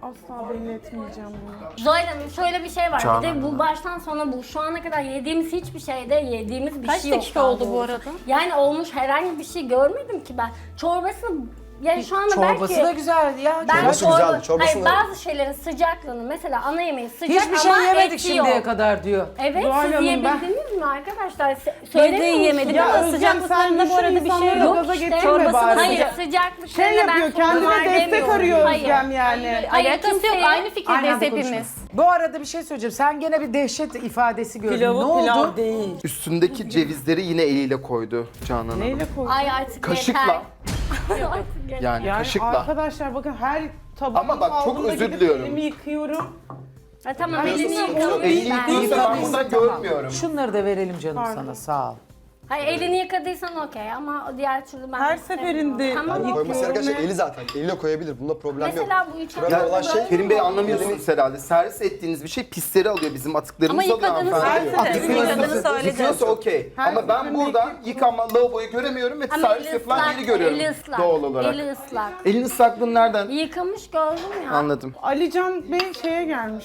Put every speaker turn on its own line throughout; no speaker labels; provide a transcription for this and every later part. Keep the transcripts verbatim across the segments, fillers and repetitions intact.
Asla belli etmeyeceğim bunu.
Zuhal Hanım şöyle bir şey var.
Canan
Bir de bu
Hanım.
baştan sona bu. Şu ana kadar yediğimiz hiçbir şeyde yediğimiz bir
Kaç
şey yok.
dakika
daha
oldu bu
doğrusu.
arada?
Yani olmuş herhangi bir şey görmedim ki ben. Çorbasını yani şu anda
Çorbası
belki...
da güzeldi ya.
Ben
Çorbası
çorba-
güzeldi, çorbasını-
Hayır, bazı şeylerin sıcaklığını mesela ana yemeği sıcak
Hiçbir şey
ama
yemedik
eti
şimdiye
yok.
kadar diyor.
Evet,
Zuhal
siz
Hanım,
yiyebildiniz mi arkadaşlar? Se-
Biz de
söylemiyor
yiyemedik
musunuz?
ama
Ya Özlem,
sıcaklıklarında
sen
bu arada
düşün,
bir şey
insanları
yok.
gaza
İşte
getirme
çorbasını
bari.
Hayır, sıcaklıklarını
Şey yapıyor,
ben
kendine
sorun var
destek
demiyorum.
arıyor
Hayır.
Özlem yani.
Hayır,
Alakası yok.
kimseye-
Aynı fikirdeyiz
Aynı anda
hepimiz.
konuşalım. Bu arada bir şey söyleyeceğim. Sen gene bir dehşet ifadesi gördün.
Pilavı
ne oldu?
pilav değil.
Üstündeki cevizleri yine eliyle koydu Canan Hanım.
Neyle koydun?
Ay artık
Kaşıkla.
yeter. Artık yeter.
Yani,
Yani
kaşıkla.
arkadaşlar bakın her tabak
Ama bak, çok özür diliyorum.
elimi yıkıyorum.
Ha, tamam,
Ben
elini
yıkıyorum.
yıkamış
Elini
ben.
yıkıyorsa ben burada görmüyorum.
Şunları da verelim canım
Pardon.
sana sağ ol.
Hayır, elini yıkadıysan okey ama diğer türlü ben
Her
istemiyorum.
seferinde
Tamam,
Yani
yıkıyorum
koyması gereken şey
ve-
eli zaten. Eliyle koyabilir. Bunda problem yok.
mesela bu üç
Önemli
hafta
olan şey
böyle
Kerim Bey
mi?
anlamıyorsunuz herhalde. Servis ettiğiniz bir şey pisleri alıyor. Bizim atıklarımızı
Ama
alıyor
yıkadığını
hanımefendi.
söyledi.
Yıkıyorsa-
Yıkadığını söyledi.
Yıkıyorsa okey.
Her
Ama ben
seferinde
burada
yıkıyorum.
yıkanma lavaboyu göremiyorum ve
Ama
servis
eli
yapılan
ıslak,
yeri görüyorum
eli ıslak,
doğal olarak.
eli ıslak.
Elin ıslaklığını nereden
Yıkamış gördüm ya.
anladım?
Alican Bey şeye gelmiş.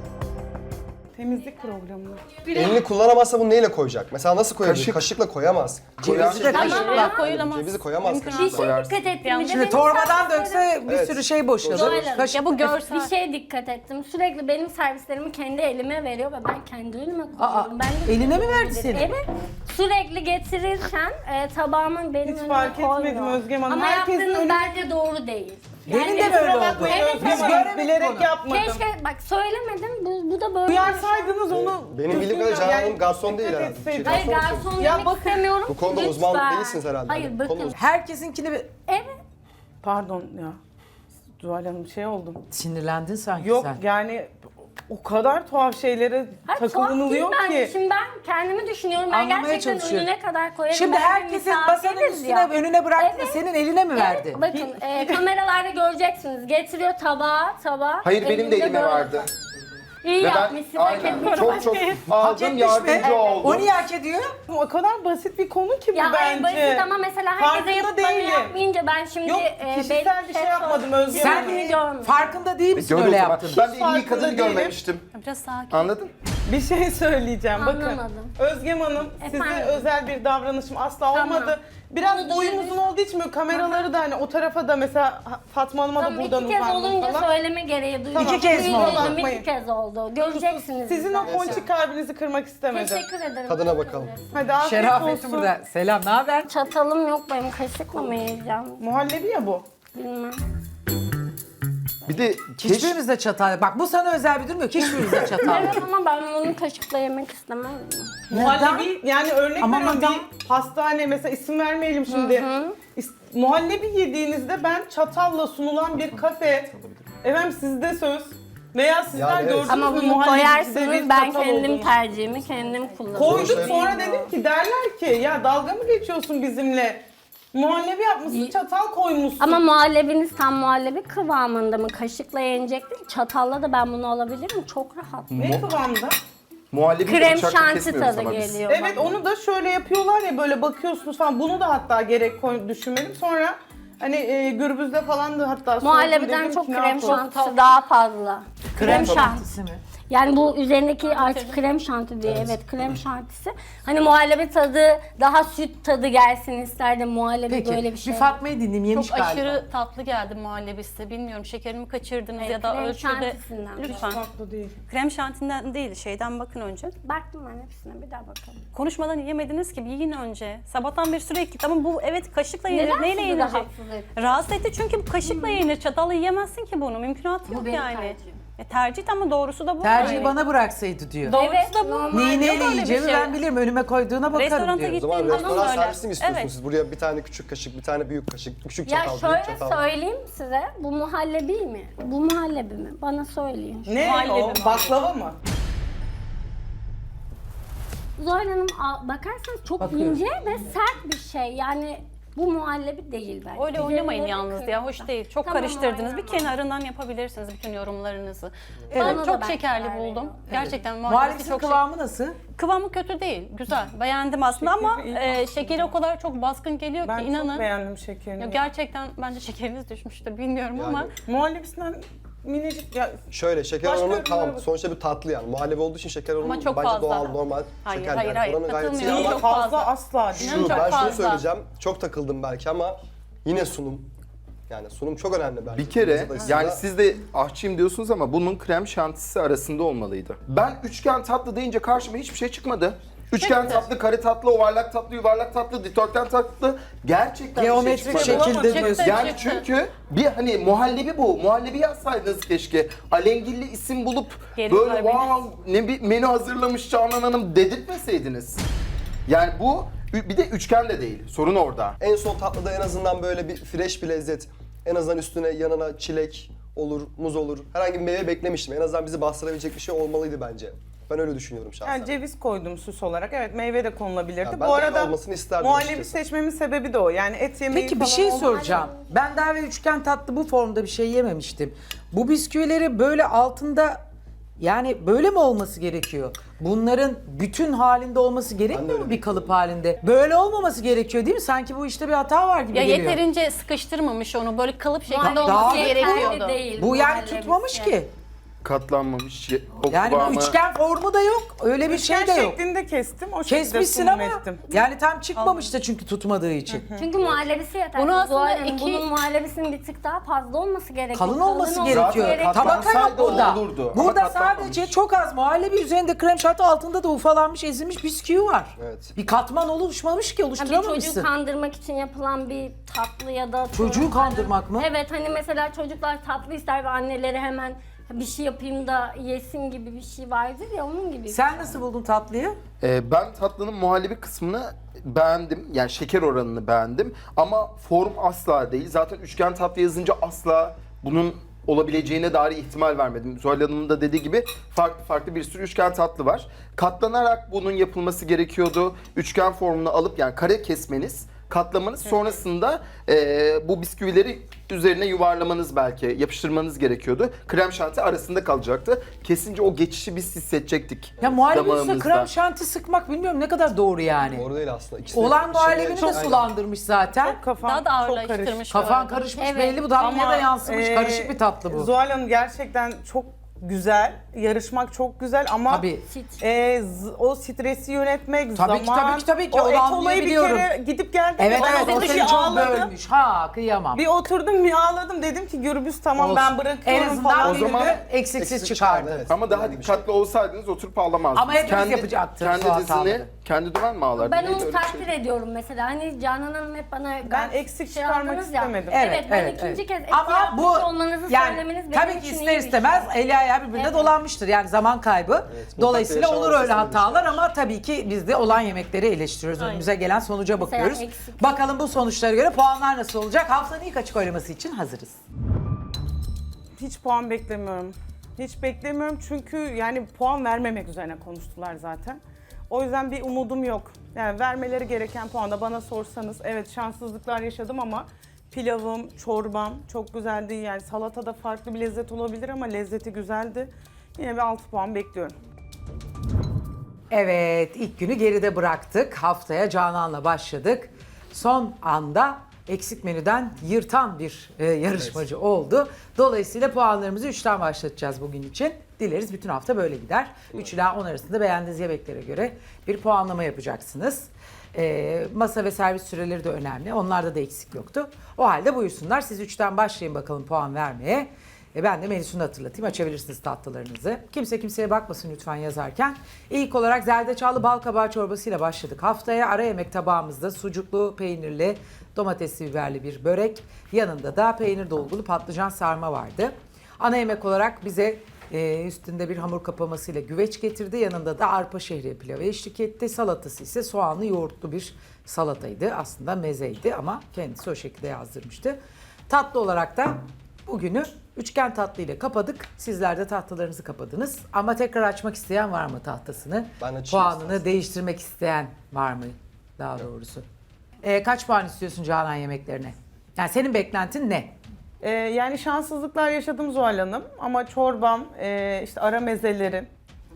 Temizlik programına.
Elini kullanamazsa bunu neyle koyacak? Mesela nasıl koyabilir?
Kaşık.
Kaşıkla koyamaz.
Cevizi de
Tamam
kaşıkla.
ya.
Koyulamaz.
Cevizi koyamaz
Mümkün
kaşıkla.
Bir şey
Koyarsın.
dikkat ettim. Bir de
Şimdi
benim
torbadan
servislerim-
dökse bir
Evet.
sürü şey boşalır.
Zuhal Hanım,
Kaşık-
Ya bu görsel.
Bir şeye dikkat ettim. Sürekli benim servislerimi kendi elime veriyor ve ben kendi önüme koyuyorum.
Aa,
ben de
eline mi verdi seni?
Evet. Sürekli getirirken e, tabağımın benim
Hiç
önüme
fark etmedim
koymuyor.
Özgem Hanım.
Ama
Herkesin
yaptığınız
önü-
bence doğru değil.
Benim de böyle oldu.
Evet,
Özgem
evet.
Hanım,
göremedik
bilerek
onu.
yapmadım.
Keşke bak söylemedim. Bu, bu da böyle.
Uyarsaydınız onu.
Benim bildiğim
düzgün
kadarıyla Canan
yani
Hanım garson değil
dikkat
herhalde.
etseydim.
Hayır,
Garson
garson
Ya
demek
bakın,
istemiyorum.
bu konuda
Lütfen.
uzman değilsiniz herhalde.
Hayır,
Bu
bakın.
konuda-
Herkesinkini bir...
Evet.
Pardon ya. Zuhal Hanım şey oldum.
Sinirlendin sanki
Yok
sen.
yani o kadar tuhaf şeylere
Hayır, tuhaf
takılınılıyor
değil bence.
ki.
Şimdi ben kendimi düşünüyorum. Ben
Anlamaya
gerçekten
çalışıyorum.
önüne kadar koyarım.
Şimdi
Ben bir
herkesin masanın
misafiriz
üstüne
ya.
önüne bıraktı da
Evet.
senin eline mi verdi?
Evet, bakın e, kameralarda göreceksiniz. Getiriyor tabağı, tabağı.
Hayır benim de
elimde
elime
böyle.
vardı.
İyi
Ve ben
yapmışsın. hak
aynen
ediyorum.
çok çok
Hak
aldım
etmiş mi?
yardımcı oldum.
O niye hak ediyor?
O kadar basit bir konu ki bu
Ya
bence.
bence. basit ama mesela herkese
Farkında
yapıp bana
değilim.
yapmayınca ben şimdi
Yok,
e,
kişisel
benim
bir şey
şef
yapmadım,
olarak
Özgür
Sen
Hanım.
kendimi görmüyorum.
farkında değil misin
Gördüm
öyle
o zaman.
yaptın?
Ben de elini
farkında
yıkadığını
değilim.
görmemiştim.
Biraz sakin.
Anladın?
Bir şey söyleyeceğim bakın.
Anlamadım.
Özgem Hanım size
Efendim?
özel bir davranışım asla
Tamam.
olmadı. Biraz
Onu da
boyum uzun olduğu için böyle kameraları da hani o tarafa da mesela Fatma Hanım'a da
Tamam,
buradan
iki kez
uzandım
olunca
falan.
söyleme gereği duydum.
Tamam.
İki kez mi oldu?
Duydum,
Bakmayın.
İki kez oldu. Göreceksiniz.
Sizin o
zaten.
ponçik kalbinizi kırmak istemedim.
Teşekkür ederim.
Tadına bakalım.
Hadi afiyet
Şerafettin
olsun.
burada. Selam, ne haber?
Çatalım yok benim, kaşıkla mı yiyeceğim?
Muhallebi ya bu.
Bilmem.
Bir de keş...
Hiçbirimizde çatal. Bak bu sana özel bir durum yok. Hiçbirimizde çatal.
Evet ama ben bunu kaşıkla yemek istemem.
Muhallebi yani örnek
Ama
veriyorum
neden?
bir pastane mesela isim vermeyelim şimdi. İs- Muhallebi yediğinizde ben çatalla sunulan bir kafe. Efendim sizde söz. Veya sizler
Yani evet.
gördünüz
Ama
mü
bunu
muhallebicide bir
koyarsınız, ben
çatal
kendim
olduğunu?
tercihimi kendim kullanırım.
Koyduk
Şey-
sonra dedim ki derler ki ya dalga mı geçiyorsun bizimle? Muhallebi yapmışsın, çatal koymuşsun.
Ama muhallebiniz tam muhallebi kıvamında mı? Kaşıkla yenecek değil, çatalla da ben bunu alabilirim. Çok rahat.
ne kıvamda?
Muhallebi
Krem
bıçakla
şanti
kesmiyoruz
tadı
ama biz.
geliyor.
Evet
bana.
onu da şöyle yapıyorlar ya böyle bakıyorsunuz falan. Bunu da hatta gerek koy, düşünmedim. Sonra hani e, gürbüzde falan da hatta sordum,
Muhallebiden
dedim
çok
ki, ne
krem
yapalım?
şantisi daha fazla. Krem şanti.
şantisi mi?
Yani bu üzerindeki artık krem şanti diye, evet krem şantisi. Hani muhallebi tadı, daha süt tadı gelsin isterdim muhallebi
Peki,
böyle bir
bir,
şey.
Fatma'yı dinleyeyim. Yemiş
Çok
galiba.
aşırı tatlı geldi muhallebisi. Bilmiyorum şekerimi kaçırdınız
Evet,
ya da
krem
ölçüde.
şantisinden.
Lütfen.
Tatlı değil.
Krem şantinden değil, şeyden bakın önce.
Baktım ben hepsine, bir daha bakalım.
Konuşmadan yemediniz ki, bir yiyin önce. Sabahtan beri sürekli, ama bu evet kaşıkla yenir.
Neden
Neyle
sizi
yenilecek?
rahatsız etti?
Rahatsız etti çünkü bu kaşıkla yenir. Çatalla yiyemezsin ki bunu. Mümkünatı yok
benim
yani.
tercihim.
E, tercih ama doğrusu da bu.
Tercihi
Yani.
bana bıraksaydı diyor.
Doğrusu
Evet,
da bu.
normal.
Neyi
Yok
neyle
öyle bir
yiyeceğimi
şey.
ben bilirim. Önüme koyduğuna bakarım
Restoranta
diyor.
O zaman
gittiğim zaman
restoran
öyle.
servisi mi istiyorsunuz?
Evet.
Siz buraya bir tane küçük kaşık, bir tane büyük kaşık, küçük
Ya
çatal, büyük
şöyle
çatal.
söyleyeyim size, bu muhallebi mi? Bu muhallebi mi? Bana söyleyin.
Ne
Muhallebi,
o?
muhallebi.
Baklava mı?
Zuhal Hanım a- bakarsanız çok
Bakıyorum.
ince ve sert bir şey. Yani bu muhallebi değil bence.
Öyle oynamayın
Üzerinde
yalnız
bir
ya, hoş
kırmızı.
değil. Çok
Tamam,
karıştırdınız. Bir
oynamam.
kenarından yapabilirsiniz bütün yorumlarınızı.
Bana
Ben
da
çok
ben
şekerli
karar
buldum.
veriyorum.
Gerçekten muhallebisi
Muhallebisinin
çok
kıvamı nasıl?
şek- kıvamı kötü değil, güzel. Beğendim aslında ama
Şekeri iyi.
e, şekeri o kadar çok baskın geliyor
Ben
ki
çok
inanın.
beğendim şekerini.
Ya gerçekten bence şekeriniz düşmüştür, bilmiyorum ama
Muhallebisinden minicik ya
Şöyle şeker
Başka
oranı
ürünlere
tamam
bak.
sonuçta bir tatlı yani. Muhallebi olduğu için şeker oranı
Ama çok
bence
fazla.
doğal, normal
Hayır,
şeker.
hayır,
yani.
hayır,
Oranı gayet iyi
katılmıyorum.
ama
Çok
fazla,
fazla.
asla
şu,
değil.
İnanın çok
ben şunu
fazla.
söyleyeceğim. Çok takıldım belki ama yine sunum. Yani sunum çok önemli bence.
Bir kere
Lezzet açısından.
yani siz de aşçıyım diyorsunuz ama bunun krem şantisi arasında olmalıydı. Ben üçgen tatlı deyince karşıma hiçbir şey çıkmadı. Üçgen tatlı, kare tatlı, yuvarlak tatlı, yuvarlak tatlı, dikdörtgen tatlı gerçekten
Geometrik
bir şey çıkmadı.
şekilde
Çıktı,
diyorsun.
Yani
çıktı.
çünkü bir hani muhallebi bu. Muhallebi yazsaydınız keşke. Alengirli isim bulup
Geri
böyle
ver beni.
wow ne bir menü hazırlamış Canan Hanım dedirtmeseydiniz. Yani bu bir de üçgen de değil. Sorun orada.
En son tatlıda en azından böyle bir fresh bir lezzet. En azından üstüne yanına çilek olur, muz olur. Herhangi bir meyve beklemiştim. En azından bizi bastırabilecek bir şey olmalıydı bence. Ben öyle düşünüyorum şahsen.
yani ceviz koydum süs olarak. Evet meyve de konulabilirdi.
Ya ben
Bu
de
arada
olmasını isterdim
muhallebi
açıkçası.
seçmemin sebebi de o. Yani et yemeği
Peki bir
falan
şey
olmaz.
soracağım. Ben daha ve üçgen tatlı bu formda bir şey yememiştim. Bu bisküvileri böyle altında yani böyle mi olması gerekiyor? Bunların bütün halinde olması gerekmiyor
öyle
mu bir kalıp halinde? Böyle olmaması gerekiyor değil mi? Sanki bu işte bir hata var gibi
Ya
geliyor.
yeterince sıkıştırmamış onu. Böyle kalıp şeklinde
Daha
olması
yeterli
gerekiyordu.
değil
Bu yani
muhallebisi.
tutmamış ki.
Katlanmamış. O
Yani
kıvamı-
üçgen formu da yok. Öyle bir
Üçgen
şey de yok.
şeklinde kestim. O şekilde
Kesmişsin
sunum
ama
ettim.
yani tam çıkmamış da çünkü tutmadığı için.
Çünkü muhallebisi yeter.
Bunu aslında
Zuhal Hanım,
iki-
bunun muhallebisinin bir tık daha fazla olması gerekiyor.
Kalın olması
olması
gerekiyor.
Zaten
Tabaka yok
katlansaydı
burada.
olurdu ama
Burada
katlanmamış.
sadece çok az muhallebi üzerinde krem şanti altında da ufalanmış ezilmiş bisküvi var.
Evet.
Bir katman oluşmamış ki
Ha, bir çocuğu
oluşturamamışsın.
kandırmak için yapılan bir tatlı ya da...
Çocuğu kandırmak mı?
Evet hani mesela çocuklar tatlı ister ve anneleri hemen bir şey yapayım da yesin gibi bir şey vardır ya onun gibi.
Sen nasıl buldun tatlıyı?
Ee, ben tatlının muhallebi kısmını beğendim. Yani şeker oranını beğendim. Ama form asla değil. Zaten üçgen tatlı yazınca asla bunun olabileceğine dair ihtimal vermedim. Zuhal Hanım'ın da dediği gibi farklı farklı bir sürü üçgen tatlı var. Katlanarak bunun yapılması gerekiyordu. Üçgen formunu alıp yani kare kesmeniz, katlamanız sonrasında e, bu bisküvileri üzerine yuvarlamanız belki, yapıştırmanız gerekiyordu. Krem şanti arasında kalacaktı. Kesince o geçişi biz hissedecektik.
Ya muhallebi üstüne
damağımızda.
krem şanti sıkmak bilmiyorum ne kadar doğru yani.
Doğru değil aslında. İkisi de
Olan
içinde-
muhallebini de
Aynen.
sulandırmış zaten.
Kafam
Daha da
çok
ağırlaştırmış.
karışık.
bu
Kafan
arada.
karışmış
Evet.
belli bu damlaya da
Ama,
yansımış.
e,
Karışık bir tatlı bu.
Zuhal Hanım gerçekten çok güzel. Yarışmak çok güzel ama
Tabii.
Sit.
e, z- o stresi yönetmek,
Tabii ki,
zaman...
tabii ki, tabii ki.
O
Onu
et olayı bir
anlayabiliyorum.
kere gidip geldim.
Evet
Bana
evet
dedi
o
ki
seni çok
ağladım.
bölmüş. Ha kıyamam.
Bir oturdum bir ağladım dedim ki Gürbüz tamam
Olsun.
ben bırakıyorum
En azından
falan.
O zaman
dedi.
eksiksiz
Eksik
çıkardı.
çıkardı, evet.
Ama daha
Yani bir şey.
dikkatli olsaydınız oturup ağlamazdınız.
Ama hepimiz yapacaktık
Kendi
şu
dizini,
hataları.
kendi dümen mi ağlardı?
Ben
Neydi
onu
öyle bir
takdir
şey?
ediyorum mesela. Hani Canan Hanım hep bana
Ben eksik çıkarmak
yaptınız ya.
istemedim.
Evet,
Evet,
ben
evet,
ikinci
evet.
kez eti
Ama
yapmış
bu
olmanızı
yani
söylemeniz benim
tabii ki
için
ister
iyi bir
istemez
şey.
eli ayağı birbirine
Evet.
dolanmıştır. Yani zaman kaybı.
mutfakta
Dolayısıyla olur
yaşanması
öyle
istediğimiz
hatalar
şeyler.
ama tabii ki biz de olan yemekleri eleştiriyoruz. Önümüze gelen sonuca
Mesela
bakıyoruz.
eksik.
Bakalım bu sonuçlara göre puanlar nasıl olacak? Haftanın ilk açık oylaması için hazırız.
Hiç puan beklemiyorum. Hiç beklemiyorum çünkü yani puan vermemek üzerine konuştular zaten. O yüzden bir umudum yok. Yani vermeleri gereken puanı bana sorsanız evet şanssızlıklar yaşadım ama pilavım, çorbam çok güzeldi. Yani salatada farklı bir lezzet olabilir ama lezzeti güzeldi. Yine bir altı puan bekliyorum.
Evet, ilk günü geride bıraktık. Haftaya Canan'la başladık. Son anda eksik menüden yırtan bir e, yarışmacı oldu. Dolayısıyla puanlarımızı üçten başlatacağız bugün için. Dileriz bütün hafta böyle gider. üç ila on arasında beğendiğiniz yemeklere göre bir puanlama yapacaksınız. E, masa ve servis süreleri de önemli. Onlarda da eksik yoktu. O halde buyursunlar. Siz üçten başlayın bakalım puan vermeye. E ben de menüsünü hatırlatayım. Açabilirsiniz tatlılarınızı. Kimse kimseye bakmasın lütfen yazarken. İlk olarak zerdeçallı bal kabağı çorbasıyla başladık. Haftaya ara yemek tabağımızda sucuklu, peynirli, domatesli, biberli bir börek. Yanında da peynir dolgulu patlıcan sarma vardı. Ana yemek olarak bize e, üstünde bir hamur kapamasıyla güveç getirdi. Yanında da arpa şehriye pilavı eşlik etti. Salatası ise soğanlı yoğurtlu bir salataydı. Aslında mezeydi ama kendisi o şekilde yazdırmıştı. Tatlı olarak da bugünü üçgen tatlı ile kapadık. Sizler de tahtalarınızı kapadınız. Ama tekrar açmak isteyen var mı tahtasını?
Ben açayım
Puanını
istersen.
değiştirmek isteyen var mı daha doğrusu? Ee, kaç puan istiyorsun Canan yemeklerine? Yani senin beklentin ne?
Ee, yani şanssızlıklar yaşadım Zuhal Hanım ama çorbam, e, işte ara mezelerim,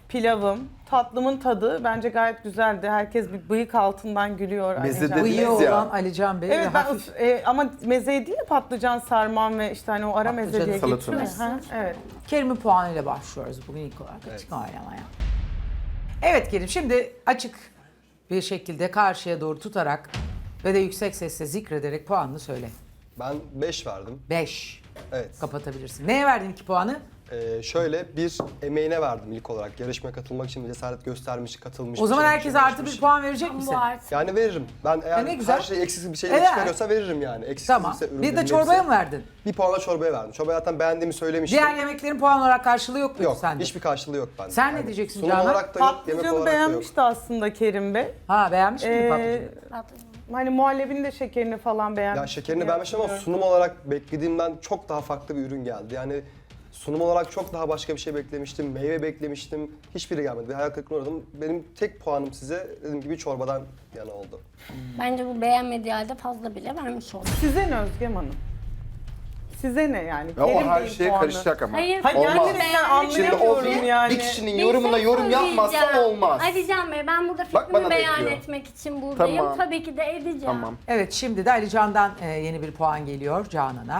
pilavım, tatlımın tadı bence gayet güzeldi. Herkes bir bıyık altından gülüyor.
Meze
Alican
de
Bey.
Bıyığı
Dediniz ya.
olan Alican Bey
Evet
ve
ben
hafif
e, ama meze değil de patlıcan sarmam ve işte hani o ara meze diye
Patlıcanı,
geçiyor.
salatanız.
Ha, evet.
Kerim'in puanıyla başlıyoruz bugün ilk olarak açık oylamaya. Evet Kerim, şimdi açık bir şekilde karşıya doğru tutarak ve de yüksek sesle zikrederek puanını söyle.
Ben beş verdim.
beş.
Evet.
Kapatabilirsin. Neye verdin iki puanı?
Ee, şöyle bir emeğine verdim ilk olarak. Yarışmaya katılmak için cesaret göstermiş, katılmış.
O zaman
çalışmış,
herkese artı bir
uğraşmış.
puan verecek misin?
Bu artık.
Yani veririm. Ben eğer
E ne güzel.
her şey eksiksiz bir şey
Evet.
çıkarıyorsa veririm yani. Eksiksiz
Tamam.
ise ürünlerin
Bir de
hepsi-
çorbaya mı verdin?
Bir puanla çorbaya verdim. Çorbaya zaten beğendiğimi söylemiştim.
Diğer yemeklerin puan olarak karşılığı yok muydu
Yok,
sende?
hiçbir karşılığı yok bende.
Sen ne diyeceksin
sunum
Canan?
olarak da yok, yemek
Patlıcanı
olarak da yok.
beğenmişti aslında Kerim Bey.
Ha, beğenmiş miydin
Ee,
patlıcanı?
hani muhallebinin de şekerini falan beğenmiş.
Ya şekerini beğenmişim ama sunum olarak beklediğimden çok daha farklı bir ürün geldi. Yani sunum olarak çok daha başka bir şey beklemiştim. Meyve beklemiştim. Hiçbiri gelmedi. Bir hayal kırıklığına uğradım. Benim tek puanım size dediğim gibi çorbadan yana oldu.
Bence bu beğenmediği halde fazla bile vermiş oldu.
Size ne Özgem Hanım? Size ne yani?
Ya o
Kerim
her
Bey'in
şeye
puanı.
karışacak ama.
Hayır,
Hayır
Olmaz.
gerçekten
Şimdi o
anlayamıyorum
bir,
yani.
bir kişinin
Bir
yorumuna
şey
yorum yapmazsa
söyleyeceğim.
olmaz.
Alican Bey, ben burada
Bak bana
fikrimi
da
beyan
ediyor.
etmek için buradayım.
Tamam.
Tabii ki de edeceğim.
Tamam.
Evet, şimdi de Ali Can'dan e, yeni bir puan geliyor Canan'a.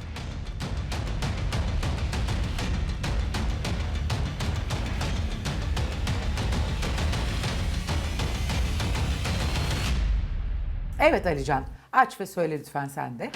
Evet Alican, aç ve söyle lütfen sen de.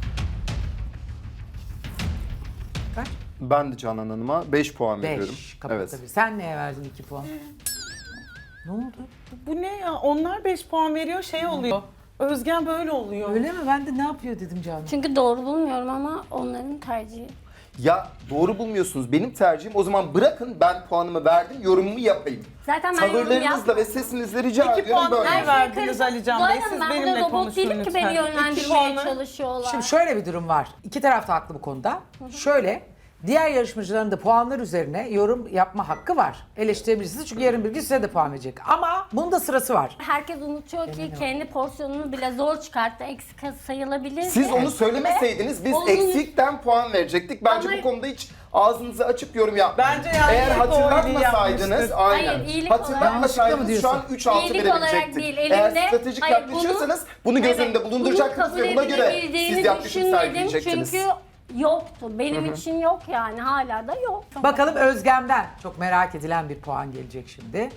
Kaç?
Ben de Canan Hanım'a beş puan veriyorum.
Beş.
Evet.
Kapatabilir. Sen neye verdin iki puan? Ne oldu?
Bu ne ya? Onlar beş puan veriyor şey oluyor. Özgen böyle oluyor.
Öyle mi? Ben de ne yapıyor dedim Canan.
Çünkü doğru bulmuyorum ama onların tercihi.
Ya doğru bulmuyorsunuz. Benim tercihim o zaman bırakın ben puanımı verdim, yorumumu yapayım.
Zaten ben yorum
Tavırlarınızla
yapmadım.
ve sesinizle rica
İki
ediyorum
puan
böyle.
ver. verdiniz
karışık.
Ali Can
Zuhal
Bey,
Hanım,
siz
ben
benimle
burada robot
konuşun
değilim ki beni
lütfen. İki
yönlendirmeye
puanı-
çalışıyorlar.
Şimdi şöyle bir durum var. İki taraf da haklı bu konuda. Şöyle, diğer yarışmacıların da puanlar üzerine yorum yapma hakkı var. Eleştirebilirsiniz çünkü yarın bir gün size de puan verecek. Ama bunun da sırası var.
Herkes unutuyor ki kendi porsiyonunu bile zor çıkarttı. Eksik sayılabilir.
Siz onu söylemeseydiniz biz
Onun-
eksikten puan verecektik. Bence
Ama-
bu konuda hiç ağzınızı açıp yorum yapmayın.
Bence yani
Eğer
hep o iyiliği
hatırlatmasaydınız
yapmıştır.
aynen.
Hayır, iyilik olarak-
Hatırlatmasaydınız şu an
Yanlışlıkla mı
üç altı
İyilik olarak
verebilecektik.
değil,
Eğer
elimde-
stratejik
Hayır,
yaklaşıyorsanız bunu,
bunu-
göz önünde
evet,
bulunduracaktınız
bunu
ve buna göre
kabuledebileceğini
siz yaklaşım
düşünmedim
sergileyecektiniz.
çünkü yoktu. Benim için yok yani. Hala da yok.
Bakalım Özgem'den çok merak edilen bir puan gelecek şimdi.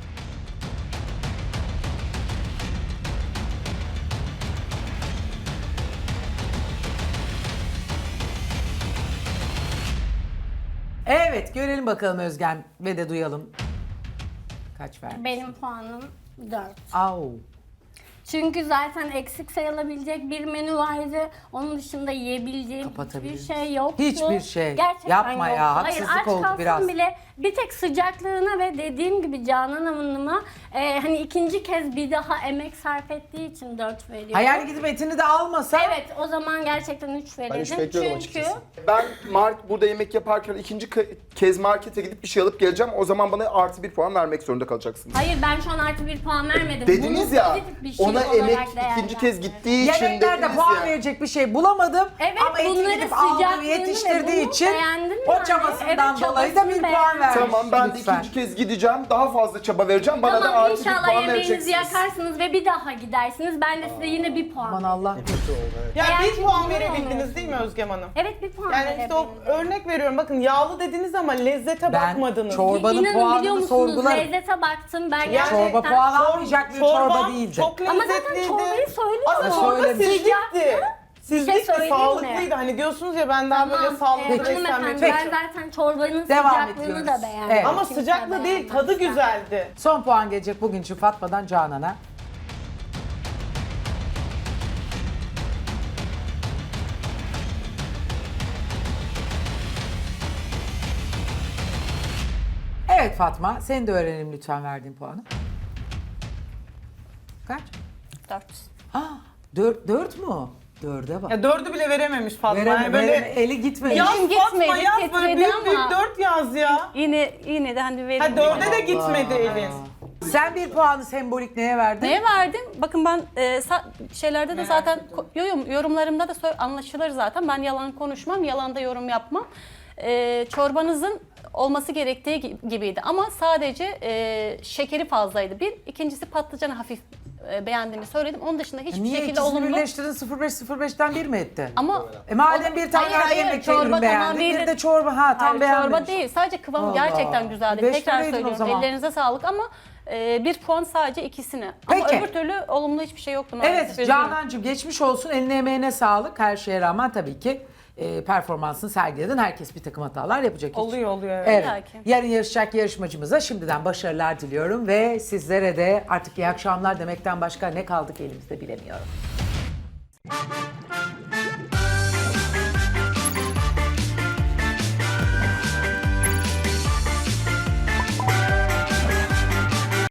Evet, görelim bakalım Özgem ve de duyalım. Kaç verdi?
Benim puanım dört.
Au.
Çünkü zaten eksik sayılabilecek bir menü vardı. Onun dışında yiyebileceğim
Kapatabilir
hiçbir şey yoktu.
Hiçbir şey.
Gerçekten
Yapma ya,
yoktu.
haksızlık
Hayır, aç
oldu
kalsam
biraz.
bile bir tek sıcaklığına ve dediğim gibi Canan Hanım'a e, hani ikinci kez bir daha emek sarf ettiği için dört veriyorum.
Hayal gidip etini de almasa.
Evet, o zaman gerçekten üç verirdim.
Ben üç bekliyordum
Çünkü
açıkçası.
Ben mark burada yemek yaparken ikinci ke- kez markete gidip bir şey alıp geleceğim. O zaman bana artı bir puan vermek zorunda kalacaksınız.
hayır, ben şu an artı bir puan vermedim.
Dediniz
Bunu
ya
pozitif bir şey
ona
olarak
emek
değerlendirdim.
ikinci kez gittiği için
Yemeklerde
dediniz
puan
ya.
verecek bir şey bulamadım.
Evet,
ama etini
bunları
gidip aldığı
sıcaklığını ve
yetiştirdiği
bunu
için
beğendim
o
yani.
çabasından
Evet,
dolayı da bir
çabasını
puan
beğendim.
vermiş.
Tamam ben de
Lütfen.
ikinci kez gideceğim. Daha fazla çaba vereceğim. Bana da
Tamam,
artı bir
inşallah
puan
yemeğinizi
vereceksiniz.
yakarsınız ve bir daha gidersiniz. Ben de size yine bir puan
Aman
veririm.
Allah.
Kötü oldu evet.
Ya
Eğer
bir
çünkü
puan
bunu
verebildiniz
olmuyorsun.
değil mi Özgem Hanım?
Evet, bir puan
Yani işte o
verebilirim.
örnek veriyorum. Bakın yağlı dediniz ama lezzete
Ben
bakmadınız.
çorbanın
İnanın
puanını
biliyor musunuz,
sorgularım.
lezzete baktım ben
Yani-
gerçekten.
Çorba puan
Çor-
almayacak bir çorba
çorbam
değildi.
Çok
Ama zaten
lezzetliydi.
çorbayı söylüyorum.
Aslında
Ama
çorba
söylemiş.
sizlikti.
Bir şey
Sizlikti,
söyleyeyim mi?
sağlıklıydı. Hani diyorsunuz ya ben daha böyle
Tamam,
sağlıklı
e,
beslenmek
hanımefendi,
istiyorum.
ben zaten çorbanın
Devam
sıcaklığını
ediyoruz.
da beğendim.
Evet.
Ama
Kimse
sıcaklığı değil, tadı
beğenmedi.
güzeldi.
Son puan gelecek bugün için Fatma'dan Canan'a. Evet Fatma, seni de öğrenelim lütfen verdiğin puanı. Kaç?
Dört.
Ha, dört, dört mu? Dörde bak.
Ya dördü bile verememiş Fatma.
Vereme,
Yani böyle
vereme, eli gitmedi.
yaz
Elim
Fatma
gitmedi,
yaz böyle
titredi
büyük büyük
ama-
dört yaz ya.
Yine yine de hani verin.
Ha dörde de gitmedi elin.
Sen bir puanı sembolik neye verdin?
Neye verdim? Bakın ben e, sa- şeylerde de zaten ko- yorum, yorumlarımda da sö- anlaşılır zaten. Ben yalan konuşmam, yalanda yorum yapmam. E, çorbanızın olması gerektiği gi- gibiydi. Ama sadece e, şekeri fazlaydı. Bir, ikincisi patlıcanı hafif e, beğendiğimi söyledim. Onun dışında hiçbir
Niye
şekilde
ikisini
olumlu.
birleştirdin sıfır beş sıfır beşten bir mi etti?
Ama
E madem
o-
bir tane
Hayır, hayır,
yemek
çorba
ürün
tamam
beğendin, bir
değildi.
de çorba ha tam
Hayır,
beğenmemiş.
çorba değil. Sadece kıvamı
Allah.
gerçekten güzeldi.
Beş
Tekrar
vereydin o
söylüyorum.
zaman.
Ellerinize sağlık ama e, bir puan sadece ikisine. Ama
Peki.
öbür türlü olumlu hiçbir şey yoktu maalesef.
Evet
üzgünüm.
Canancığım geçmiş olsun, eline emeğine sağlık. Her şeye rağmen tabii ki e, performansını sergiledin. Herkes bir takım hatalar yapacak. hiç.
Oluyor oluyor. Evet.
Evet.
İlla ki.
Yarın yarışacak yarışmacımıza şimdiden başarılar diliyorum ve sizlere de artık iyi akşamlar demekten başka ne kaldık elimizde bilemiyorum.